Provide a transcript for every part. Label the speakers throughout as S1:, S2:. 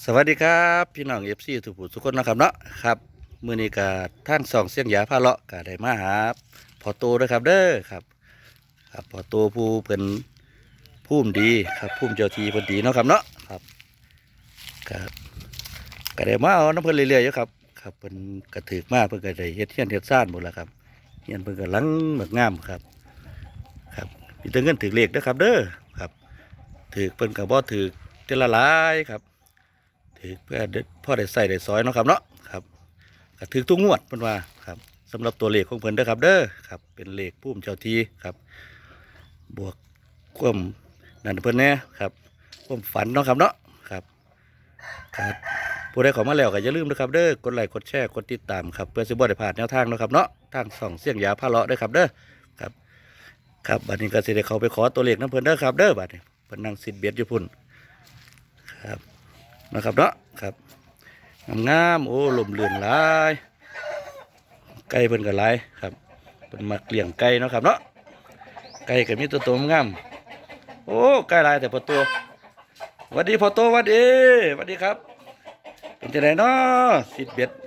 S1: สวัสดีครับพี่น้องเอฟซีทุกผู้ทุกคนนะครับเนาะครับมื้อนี้ก็ทางสองเสียงหยาพาเลาะก็ได้มาหาพ่อโตด้วยครับเด้อครับครับพ่อโตผู้เป็นภูมิดีครับภูมิเจ้าทีเพิ่นดีเนาะครับเนาะครับก็ก็ได้มาเอาน้ำเพิ่นเรื่อยๆอยู่ครับครับเพิ่นก็ถือมาเพิ่นก็ได้เฮ็ดเฮียนเฮ็ดซ่านหมดแล้วครับเฮียนเพิ่นก็หลังแบบงามครับครับมีแต่เงินถือเลขนะครับเด้อครับถือเพิ่นก็บ่ถือเจละหลายครับ ถือเพื่อพ่อได้ใส่ได้ซอยเนาะครับเนาะครับก็ถือทุกงวดเพิ่นว่าครับสำหรับตัวเลขของเพิ่นเด้อครับเด้อครับเป็นเลขพุ่มเจ้าทีครับบวกความนั่นเพิ่นแน่ครับความฝันเนาะครับเนาะครับครับผู้ใดเข้ามาแล้วก็อย่าลืมนะครับเด้อกดไลค์กดแชร์กดติดตามครับเพื่อสิบ่ได้พลาดแนวทางเนาะครับเนาะทางส่องเสียงยาพาเลาะเด้อครับเด้อครับครับบัดนี้ก็สิได้เข้าไปขอตัวเลขนํเพิ่นเด้อครับเด้อบัดนี้เพิ่นนั่งซิดเบ็ดอยู่พุ่นครับนะครับเนาะครับ งามๆโอ้ลมเรือนหลายไก่เพิ่นก็หลายครับเพิ่นมักเลี้ยงไก่เนาะครับเนาะไก่ก็มีตัวโตงามโอ้ไก่หลายแต่พอตัวหวัดดีพอโตหวัดดีหวัดดีครับเป็นจังไดเนาะสิบเบ็ด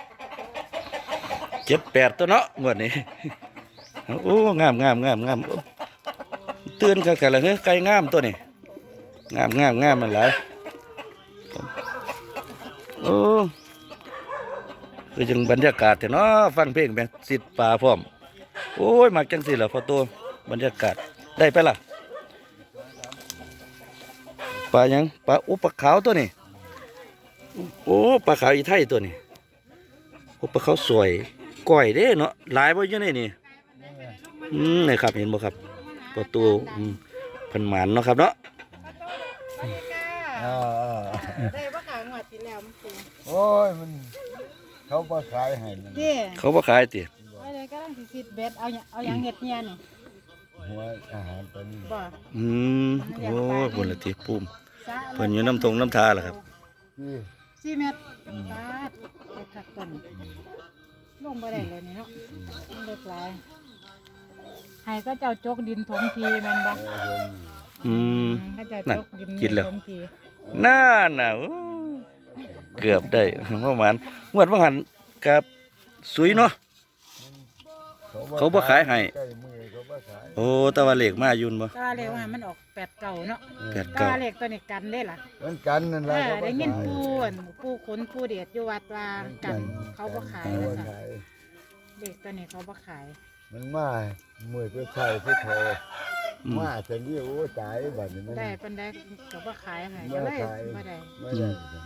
S1: 7-8ตัวเนาะงวดนี้โอ้งามโอ้ตื่นกันละเฮ้ยไก่งามตัวนี้งามมันหลายโอ้คือจังบรรยากาศแต่เนาะฟังเพลงแบบสิทธิ์ป่าพร้อมโอ้ยมักจังสิล่ะพอตัวบรรยากาศได้ไปล่ะปลายังปลาอุปขาวตัวนี้โอ้ปลาขาวอีไทยตัวนี้โอ้ปลาขาวสวยก้อยเด้เนาะหลายบ่อยู่ในนี่นี่ครับเห็นบ่ครับพอตัวเพิ่นหมานเนาะครับเนาะ
S2: ได้ว่าขายงวดที่แล้วมันคือ
S3: โอ้ยมันเขาบ่ขายให้มัน
S2: เด้
S1: เขาบ่ขายติ
S2: ว่าเลยก็ต้องสิคิดเบ็ดเอาอย่างเห็ดเนี่ยนี่
S3: หัวอาหารตัวนี้
S2: บ่
S1: โอ้ยบนละติปุ่ม
S2: ซะ
S1: เพิ่นอยู่น้ำทงน้ำทาล่ะครับ
S3: ที่
S2: 4 เม็ดปาดไปทักต้นลงบ่ได้เลยนี่เนาะมันเล็กหลายให้ก็เจ้าจกดินถมทีแม่นบ่
S1: อืม
S2: ก็เจ้าจกดิน
S1: กินแล้ว
S2: ถมที
S1: น่าน่ะโอ้เกือบได้ประมาณงวดว่าหันกับสุยเนาะ เขาบ่ขายให้
S3: ใกล้มือเขาบ่ขาย
S1: โอ้แตะวันเหล็กมายุ่นบ่
S2: ก็ว่าเลขว่ามันออก8เก่าเนาะ
S1: แปด
S2: ก็
S1: เก้า
S2: ว่าเลขตัวนี้กันเด้ล่ะ
S3: เหมือนกันนั่นแหละเขาบ่
S2: ได้ยิน
S3: ขาย
S2: ผู้ขนผู้เดชอยู่วัดว่ากันเขาบ่ขาย
S3: เขา
S2: แล้ว
S3: บ่
S2: ค่ะ
S3: ขาย
S2: เด็กตัวนี้เขาบ่ขาย
S3: มันมามือก็ใช่ที่โทรมาจะนี่โอ้ตายบัดนี้มัน
S2: ได้เป็นได้เขาบ่ขายให้
S3: บ่
S2: ก็เลย
S3: ขาย
S2: บ่ได้
S3: ไม่ได้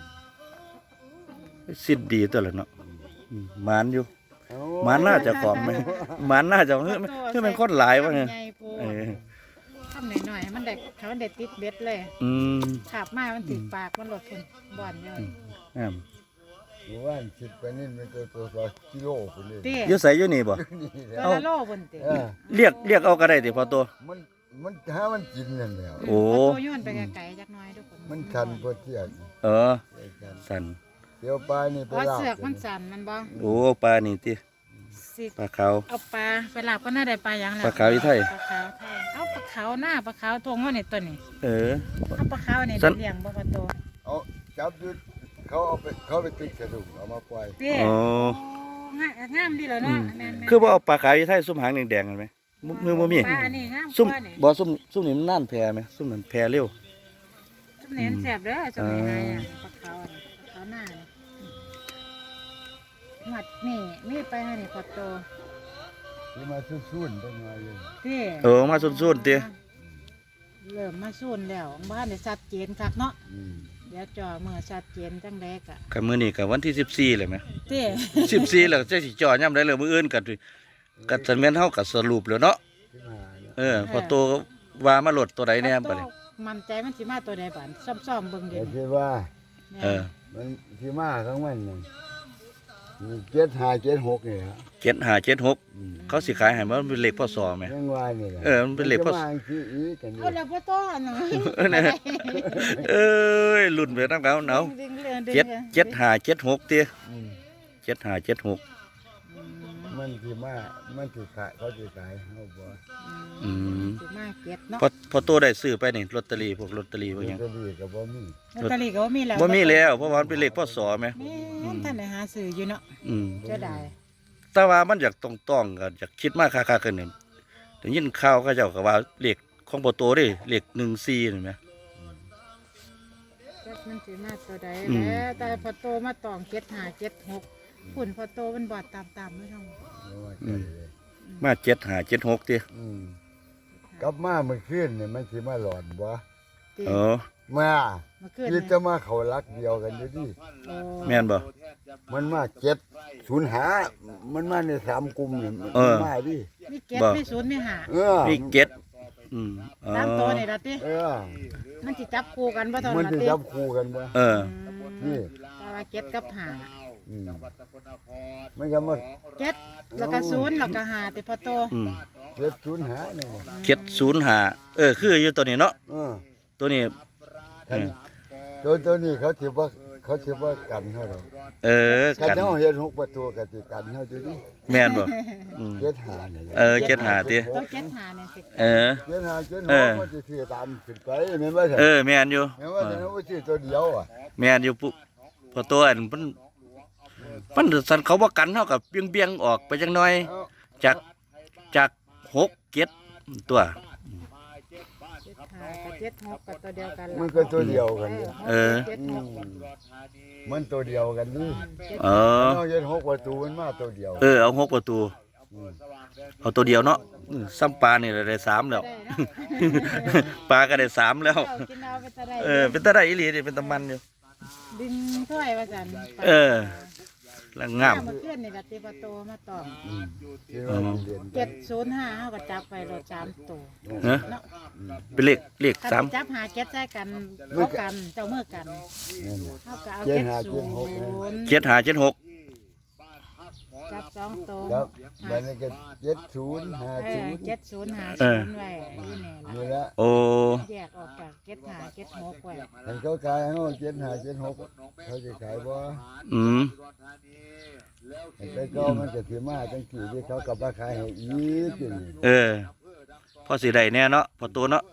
S1: สิทธิ์ดีตัวละเนาะหมานอยู่
S3: เอ้
S1: หมานน่าจะขอมไหมหมานน่าจะเฮ้ยมันโคตรหลายวะไง
S2: ใหญ่โพ
S1: เออ
S2: ทำหน่อยๆให้มันได้เขาได้ติดเบ็ดเลย
S1: อืม
S2: ขาบมามันติดปากมันหลดพุ่นบ่อนอยู่
S1: งาม
S3: หมู่บ้านคิดไปนี่มันตัวกิโลไปเลย
S2: เตี้ย
S1: อยู่ใส่อยู่นี่บ่
S3: นี่แหละ
S2: ตัวละโลพุ่นเตี้ย
S3: เออ
S1: เรียกเอาก็ได้ติพอตัว
S3: มันหามันกินนั่นแหละ
S1: โอ้
S2: ตัวย้อนไปไกลๆจักหน่อยทุกคน
S3: มันชันพอเทียบ
S1: เออ
S3: ไอ้กัน
S1: สัน
S3: เดี๋ยวปลานี่ไป
S2: เพราะ
S3: ลาบ
S2: เสือกมันสั่นมันบ่
S1: โอ้ปลานี่ติ
S2: สิ
S1: ปลาขาว
S2: เอาปลาไปลาบก็น่าได้ปลาหยังแล้ว
S1: ปลาขาวอีไทย
S2: ปลาขาวไทยเอาปลาขาวหน้าปลาขาวทงว่านี่ตัวนี้
S1: เออ
S2: เอาปลาขาวนี่
S1: สั่น
S2: เลี้ยงบ่ปลาโต
S3: เอาจับดูเขาเอาไปติดกระดูกเอามาปล่อย
S2: เตี้ย
S1: อ๋อ
S2: งามดีแล้วเนาะแม่นๆ
S1: คือว่าเอาปลาขาวอยู่ไทยซุ่มหางแดงๆกันไหมมือบ่มี
S2: ปลาอันนี้งาม
S1: ซุ่ม
S2: กว่านี่
S1: บ่ซุ่มนี่มันน่านแพไหมซุ่มนั้นแพเร็ว
S2: ซุ่มเน้นแซ่บเด้อซุ่มนี้นะอ่ะปลาขาวอันนี้ปลาขาวหน้านี่หมัดนี่มีไปให้นี่พอโต
S3: ที่มาซุ่นๆเป็นไงอยู่
S2: เตี้ย
S1: เออมาซุ่นๆติ
S2: เริ่มมาซุ่นแล้วบ้านได้ชัดเจนคักเนาะ
S3: อืม
S2: เดี๋ยวจ่อเมื่อชัดเจนจังแดกอ่ะ
S1: กับมื้อนี้ก็วันที่14เลยไหม
S2: เตี้ย
S1: 14แล้วจะสิจ่อย่ำได้เลยมื้ออื่นก็สันแม่นเฮาก็สรุปแล้วเนาะ
S3: ที่มาเนี่ย
S1: เออพอโตก็ว่ามาโหลดตัวใดแน่บัดนี้
S2: มันใจมันสิมาตัวใดบ้านซ่อมๆเบิ่งเดี๋
S3: แต่
S2: ยวนี้
S3: ที่ว่า
S2: แม่น
S1: เออ
S3: มันที่มาทั้งวันนี่75 76นี่ฮะ
S1: 7576
S3: อืม
S1: เขาสิขายให้มันเป็นเลขพศแหม
S3: ยังว่านี่แหละ
S1: เออมันเป็นเลขพศ
S3: จะมาที่อีกันอยู่
S2: เอาแล้วบ่ต้อนเนาะ
S1: เออนะเอ้ยรุ่นไปตั้งแล้วเนาะ
S2: ดึงๆๆๆ
S1: 7576ติ
S3: อืม
S1: 7576
S3: มันสิมามันสิขายเขาสิขายเฮาบ่
S1: อืม
S2: สิมาเก็บเนาะ
S1: พอตัวได้ซื้อไปนี่ลอตเตอรี่พวกลอตเตอรี่พวกหยัง
S3: ก็ดีก็บ่มี
S2: ลอตเตอรี่ก็บ่มีแล้ว
S1: บ่มีแล้วเพราะว่ามันเป็นเลขพศแหม
S2: แม่นท่านได้หาซื้ออยู่เนาะ
S1: อืม
S2: เจะได้
S1: แต่ว่ามันอยากต้องๆกันอยากคิดมากค่าๆกันนี่ได้ยินข่าวเขาเจ้าก็ว่าเลขของพอตัวเด้เลข14นี่แหม
S2: จักมันสิมาตัวใด
S1: อืม
S2: แหล้วแต่พอโตมาตอง75 76ฝุ่นพอโตมันบอดตามๆไม่ต้อง
S3: ว่าใจเลย
S1: มา75 76ติ
S3: กลับมาเมื่อคืนนี่มันสิมาหลอนบ่
S2: ติ
S1: เออ
S3: มา
S2: มาขึ้น
S3: คิดจะมาเข้ารักเดียวกันอยู่ดิ
S2: โอ้
S1: แม่นบ่
S3: มันมา705มันมาใน3กลุ่มนี่มัน
S1: เออ
S3: มาดิ
S2: มีเก็ด
S1: บ่
S2: มีศูนย์มีหา
S3: เออ
S1: มีเก็ดอืมอ๋อ
S2: ตามตัวนี่ล่ะติ
S3: เออ
S2: มันสิจับคู่กันบ่เท่า
S3: มัน
S2: นั้น
S3: สิ
S2: ติ
S3: จับคู่กันบ่
S1: เออ
S3: นี่
S2: แต่ว่าเก็ดกับหา
S3: อืมมันก็มา
S2: เก็ดแล้วก็ศูนย์แล้วก็หาติพอโต
S1: อืม
S3: 705นี่
S1: 705คืออยู่ตัวนี้เนาะ
S3: เออ
S1: ตัวนี้
S3: คันตัวนี้เขาสิว่ากันเฮาดอก
S1: เออ
S3: คัน
S1: กัน
S3: เฮาเฮ็ด6ประตูก็สิกันเฮาอยู่ดิ
S1: แม่นบ่อืม
S3: 75นี่
S1: เออ75ติ
S2: ตัวเก็ดหาเนี่ยสิ
S1: เออ
S3: 75
S1: เออ
S3: 76มันสิซื้อตามขึ้นไปแม่นบ่ใช่
S1: เออแม่นอยู่
S3: แม่นว่าแต่ว่าสิตัวเดียวอ่ะ
S1: แม่นอยู่ปุ๊พอตัวอันมันสันเขาบ่กันเท่ากับเบี้ยงๆออกไปจังหน่อย
S3: เอา
S1: จาก6 7ตัว
S2: เจ็ดหากับเจ็ดหกกับตัวเดียวกันล่ะ
S3: มันก็ตัวเดียวกันนี่
S1: เออ
S2: เจ็ด
S3: อื
S2: ห
S3: ม
S2: ก
S3: มันตัวเดียวกันนี่
S2: เจ็ด
S1: เออ
S3: เฮาเฮ็ด6ประตูมันมาตัวเดียว
S1: เอา6ประตู
S3: ม
S1: เอาตัวเดียวเนาะซ้ำปลานี่ได้3แล้ว
S2: ได้เนาะ
S1: ปลาก็ได้3แล้ว
S2: เอากินเอาไปจะได้
S1: เป็นตาได้อีหลีนี่เป็นตามันอยู่
S2: ดึงถ้วยว่าจัน
S1: เออ แล้วงาม
S2: เมื่อคืนนี่ละติปโตมาตอง
S3: อืมที่ว่าเรียน
S2: 705เฮาก็จับไปรถ3ตัว
S1: ฮะ
S2: เนาะ
S1: เป็นเลข
S2: คัน
S1: สาม
S2: จับหาเก็ดใส่กันเข้ากันเจ้ามือกัน
S3: นั่นน่ะ
S2: เฮาก็เอา
S3: เจ็
S2: เก็
S3: ด
S2: ด
S3: หา
S2: ศู
S3: เจ็ดหก
S2: นย์
S1: 75 76
S2: จับ2ตัว
S3: ครับบัดนี้ก็7050
S2: 7050ไว้นี่แน่
S3: นี่
S2: ล่ะ
S3: ละ
S1: โอ้
S2: แยกออกจากเก็ดหาเก็ดหกไว้
S3: คันเขาขายเฮา75 76เขาสิขายบ่
S1: อืม
S3: แต่ก็มันก็สิมาจังซี่ที่เขาก็บ่ขายให้อีกนี่
S1: พอสิได้แน่เนาะพอตัวเนาะ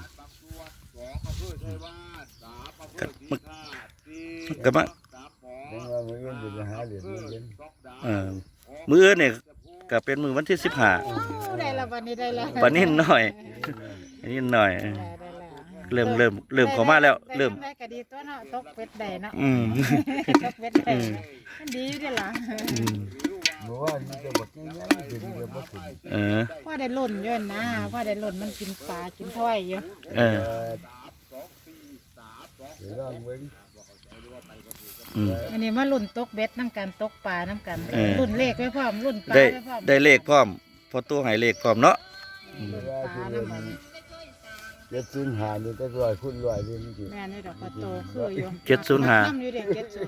S1: ก็มา
S3: ยังว่ามื้ออื่นสิไปหาเหรียญมื้ออื่น
S1: มื้ออื่นนี่ก็เป็นมื้อวันที่15
S2: ได้ละวันนี้ได้ละ
S1: ปานนี้หน่อยอันนี้หน่อย
S2: ได้ละ
S1: เริ่มเข้ามาแล้วเริ่ม
S2: ได้ก็ดีตัวเนาะตกเป็ดได้เนาะ
S1: อืม
S2: ตกเป็ดได้มันดีอยู่เด้อล่ะ
S1: อืม
S3: เมื่อวานนี้ก็บ่กินหยังกินเดี๋ยวบ่กิน
S2: พ่อได้ลุ่นอยู่นะพ่อได้ลุ่นมันกินปลากินถ้อยอยู่
S1: เออ
S3: เดี๋ยวลองเบิ่ง
S1: อืม
S2: อันนี้มาลุ่นตกเบ็ดน้ำกันตกปลาน้ำกัน
S1: เออ
S2: ลุ่นเลขไว้พร้อมลุ่นปลา
S1: ได้
S2: ไว้พร้อม
S1: ได้เลขพร้อมพอตัวให้เลขพร้อมเนาะ
S2: ลุ่นปลาน้ำมัน
S3: 705นี่ก็ร้อยคูณร้อยเลยมันสิ
S2: แม่นี่ดอกกระโตคืออยู่
S1: 705
S2: น้ำอยู่เด็ก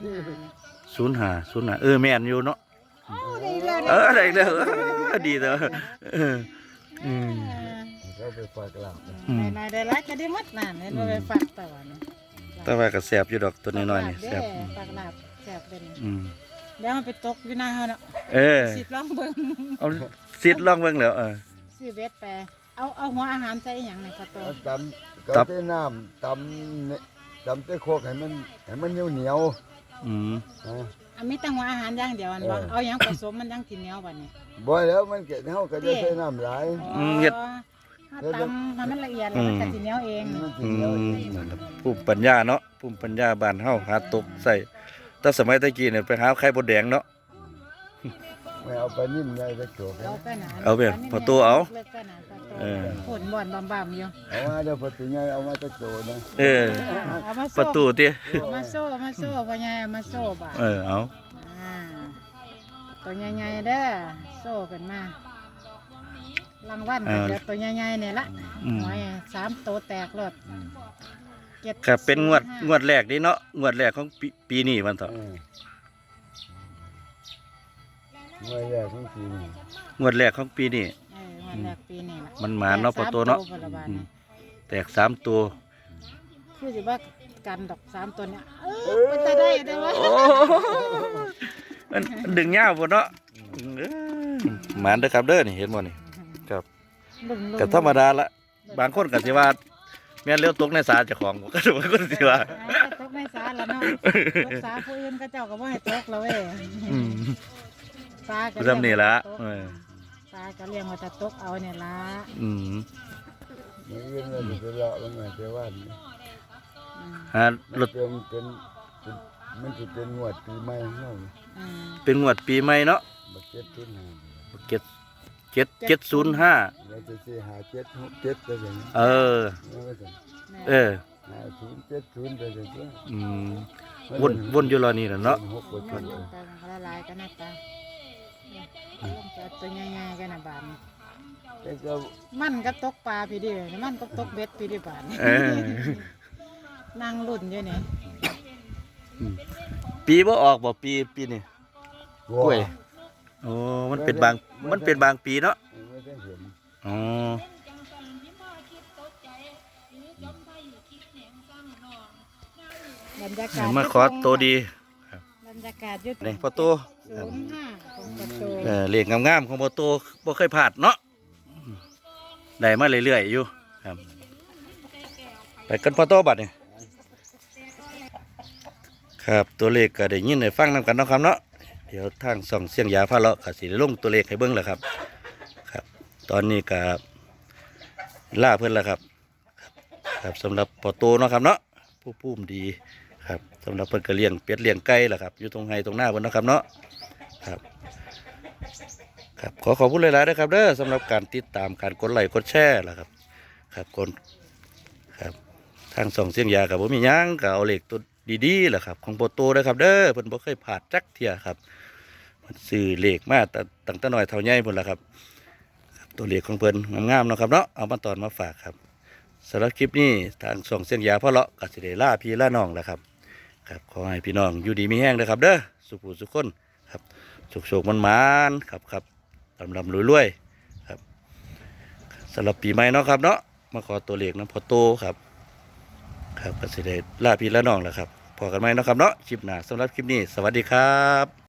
S2: 705
S1: แม่นอยู่เนาะ
S2: โอ้ได้แล้ว
S1: ได้อีกแล้วดีเด้ออืม
S3: เขาไปฝากหลับ
S1: อืม
S2: นายได้รักก็ได้หมดนั่นเห็นบ่ไปฝากต่อนี่
S1: แต่ว่าก็แซ่บอยู่ดอกตัวน้อยๆนี่แซ่บ
S2: ฝากลาบแซ่บเป็น
S1: อืม
S2: เดี๋ยวมันไปตกอยู่หน้าเฮาเนาะ
S1: เออ
S2: สิลองเบิ่ง
S1: เอาซิดลองเบิ่งแล้ว
S2: ซื้อเบ็ดไปเอาหัวอาหารใส่อหย่างในกระโต
S3: ตำก็ใส่น้ำตำใส่โคกให้มันเหนียว
S1: อืม
S3: ๆนะ
S2: อันมีแต่หัวอาหารอย่างเดียวอันบ่
S3: เออ
S2: เอาหยังผสมมันยังกินเหนียวบัดนี้
S3: บ่แล้วมันก็เฮาก็จะใส่น้ำหลาย
S2: ถ้าตำให้มันละเอียดแล้วมันก็สิเหนียวเอง
S3: มันสิ
S1: อื
S3: เหนียวเอง
S1: มภูมิปัญญาเนาะภูมิปัญญาบ้านเฮาหาตกใส่แต่สมัยตะกี้เนี่ยไปหาไข่บดแดงเนาะ
S3: ไม่เอาปลานิ่มไงไปโจก
S2: เอาไปหนา
S1: เอาไปพอตัวเอา
S2: เลิกไปหนาพอตัว
S1: เออ
S2: ผลบ่อนบำๆอยู่
S3: เอามาเดี๋ยวพอถึงไงเอามาตะโจนะ
S2: เอามา
S1: ประ
S2: โซ่
S1: ตูติ
S2: เอามาโซ่พ่อใหญ่เอามาโซ่บ่า
S1: เอา
S2: ตัวใหญ่ๆเด้อโซ่กันมารางวัลก็เดี๋ยวตัวใหญ่ๆเนี่ยละ
S1: อืม
S2: หอย3ตัวแตกรถ
S1: ก็เป็นงวดแรกนี่เนาะงวดแรกของปีนี้มันเถอะ
S3: เมื่อแรกของปีนี้
S1: งวดแรกของปีนี้
S2: งวดแรกปีนี้ล่ะ
S1: มันหมาเนาะพอตัวเนาะ
S2: แตก3ตัวพุ่นละบาด
S1: อืม
S2: นี้
S1: แตก3ตัว
S2: คือสิว่ากันดอก3ตัวเนี่ยมันจะได้วะ
S1: โอ้มันดึงยาวพุ่นเนาะหมานเด้อครับเด้อนี่เห็นบ่นี่ครับ
S2: รุ่น
S1: ก็ธรรมดาละบางคนก็สิว่าแม่นเลี้ยวตกในสาเจ้าของก็บางคนสิว่า
S2: ตกในสาแล้วเนาะตกสาผู้อื่นก็เจ้าก็บ่ให้ตกแล้วเว้ย
S1: อืม
S2: สาก็
S1: คือทำนี่ละ
S2: สาก็เลี้ยงไว้แต่ตกเอาเนี่ยละ
S1: อืม
S3: มื้ออื่นเราจะเลาะลงมาแต่ว่านี่
S2: อืม
S1: หารถ
S3: เป็นมันสิเป็นงวดปีใหม่เฮา
S2: อืม
S1: เป็นงวดปีใหม่เนาะ
S3: บักเก็ตทุนหา
S1: 705
S3: เราจะสิหาเจ็ดหกเจ็ดไปอย่างนี้
S1: เออ
S3: แล้วก็จะ
S1: เออ
S3: หาศูนย์เจ็ดศูนย์ไปอย่างนี้
S1: อืมวนอยู่รอนี่แหละเนาะ
S3: หกกว่า
S2: มั
S3: ชุ
S2: น
S3: ด
S2: ตาละลายกันนะตาลงจะตัวใหญ่ๆกันนะบาน
S3: แต่ก็
S2: มันก็ตกปลาพี่ดิมันก็ตกเบ็ดพี่ดิบาน
S1: เออ
S2: นั่งรุ่นอยู่นี่
S1: ปีบ่ออกบ่ปีนี่กล้วยโอ้มันเป็นบางปีเนาะ
S3: ไม่ได้เห็น
S1: อ๋อ
S2: บรรยากาศ
S1: มาขอตัวดี
S2: บรรยากาศยุด
S1: นี่พอตัว
S2: 05ของประตู
S1: เลขงามๆของพอตัวบ่เคยพลาดเนาะได้มาเรื่อยๆอยู่ครับไปกันพอตัวบัดนี่ครับตัวเลขก็ได้ยินได้ฟังนำกันเนาะครับเนาะเดี๋ยวทางส่องเสียงยาพาเลาะก็สิได้ลงตัวเลขให้เบิ่งแล้วครับ ครับ ตอนนี้ก็ล่าเพิ่นแล้วครับ ครับสำหรับพอโตเนาะครับเนาะผู้พุ่มดีครับสำหรับเพิ่นก็เลี้ยงเป็ดเลี้ยงไก่ล่ะครับอยู่ตรงไห้ตรงหน้าเพิ่นเนาะครับเนาะครับครับขอบคุณหลายๆนะครับเด้อสำหรับการติดตามการกดไลค์กดแชร์ล่ะครับครับคนครับทางส่องเสียงยากับผมมีหยังก็เอาเลขตัวดีๆล่ะครับของพอโตนะครับเด้อเพิ่นบ่เคยพลาดจักเที่ยครับเพิ่นซื้อเลขมาตั้งแต่น้อยเท่าใหญ่พุ่นล่ะครับครับตัวเลขของเพิ่นงามๆเนาะครับเนาะเอามาตอนมาฝากครับ สำหรับคลิปนี้ทางส่องเส้นยาพ่อเลาะกัสิเดล่าพี่ล่าน้องแหละครับครับขอให้พี่น้องอยู่ดีมีแห้งนะครับเด้อสุขสุขคนครับโชคมันครับลำรวยๆครับสำหรับปีใหม่เนาะครับเนาะมาขอตัวเลขน้ำพอโตครับครับกัสิเดล่าพี่ล่าน้องแหละครับพอกันไหมเนาะครับเนาะคลิปหน้าสำหรับคลิปนี้สวัสดีครับ